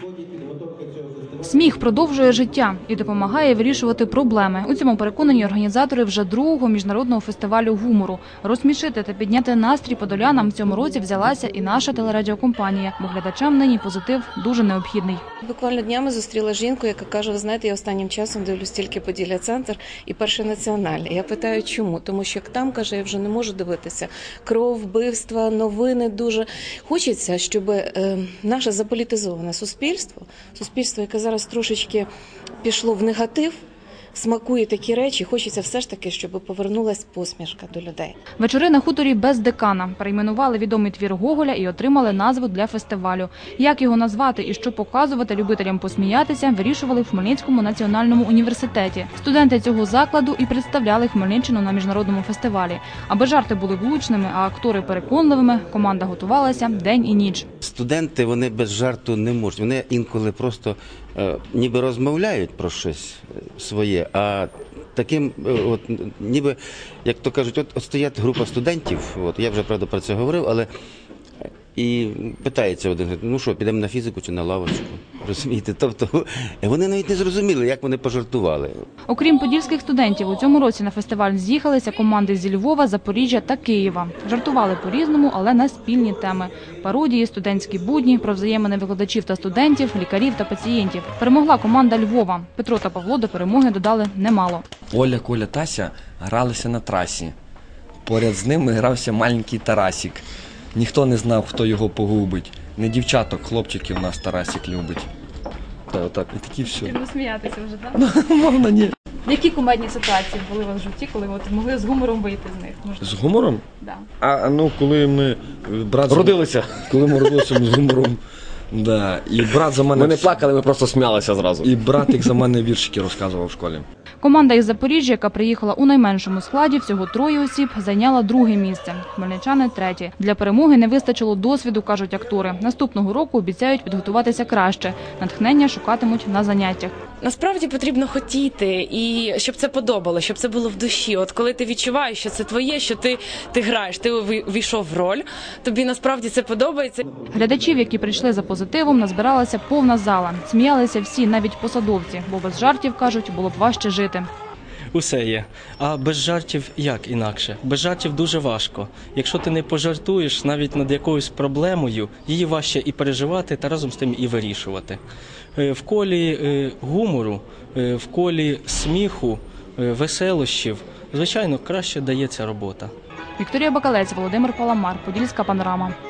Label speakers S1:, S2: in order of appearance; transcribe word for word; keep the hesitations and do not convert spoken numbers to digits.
S1: Сміх продовжує життя і допомагає вирішувати проблеми. У цьому переконані організатори вже другого міжнародного фестивалю гумору. Розсмішити та підняти настрій подолянам в цьому році взялася і наша телерадіокомпанія, бо глядачам нині позитив дуже необхідний.
S2: Буквально днями зустріла жінку, яка каже: ви знаєте, я останнім часом дивлюсь тільки Поділля-центр і Перший національний. Я питаю, чому? Тому що там, каже, я вже не можу дивитися. Кров, вбивства, новини дуже. Хочеться, щоб е, наше заполітизоване суспільство, суспільство, яке зараз трошечки пішло в негатив, смакує такі речі, хочеться все ж таки, щоб повернулась посмішка до людей.
S1: Вечори на хуторі без декана. Перейменували відомий твір Гоголя і отримали назву для фестивалю. Як його назвати і що показувати любителям посміятися, вирішували в Хмельницькому національному університеті. Студенти цього закладу і представляли Хмельниччину на міжнародному фестивалі. Аби жарти були влучними, а актори переконливими, команда готувалася день і ніч.
S3: Студенти, вони без жарту не можуть. Вони інколи просто е, ніби розмовляють про щось своє, а таким, от, ніби, як то кажуть, от, от стоять група студентів, от, я вже, правда, про це говорив, але і питається один, ну що, підемо на фізику чи на лавочку, розумієте? Тобто вони навіть не зрозуміли, як вони пожартували.
S1: Окрім подільських студентів, у цьому році на фестиваль з'їхалися команди зі Львова, Запоріжжя та Києва. Жартували по-різному, але на спільні теми. Пародії, студентські будні, про взаємини викладачів та студентів, лікарів та пацієнтів. Перемогла команда Львова. Петро та Павло до перемоги додали немало.
S4: Оля, Коля, Тася гралися на трасі. Поряд з ними грався маленький Тарасик. Ніхто не знав, хто його погубить. Не дівчаток, хлопчиків нас Тарасик любить. Та отак, і такі все.
S1: Ви сміятися вже, так?
S4: Можна, ні.
S1: Які кумедні ситуації були у вас в житті, коли ви могли з гумором вийти з них? Можна?
S4: З гумором?
S1: Да.
S4: А, ну, коли ми... Брат
S5: Родилися.
S4: Коли ми родилися з гумором. Да. І брат за мене...
S5: Ми не плакали, ми просто сміялися зразу.
S4: І братик за мене віршики розказував в школі.
S1: Команда із Запоріжжя, яка приїхала у найменшому складі, всього троє осіб, зайняла друге місце. Хмельничани – третє. Для перемоги не вистачило досвіду, кажуть актори. Наступного року обіцяють підготуватися краще. Натхнення шукатимуть на заняттях.
S6: Насправді потрібно хотіти, і щоб це подобало, щоб це було в душі. От коли ти відчуваєш, що це твоє, що ти, ти граєш, ти увійшов в роль, тобі насправді це подобається.
S1: Глядачів, які прийшли за позитивом, назбиралася повна зала. Сміялися всі, навіть посадовці, бо без жартів, кажуть, було б важче жити.
S7: Усе є. А без жартів як інакше? Без жартів дуже важко. Якщо ти не пожартуєш навіть над якоюсь проблемою, її важче і переживати, та разом з тим і вирішувати. В колі гумору, в колі сміху, веселощів, звичайно, краще дається робота.
S1: Вікторія Бакалець, Володимир Паламар, Подільська панорама.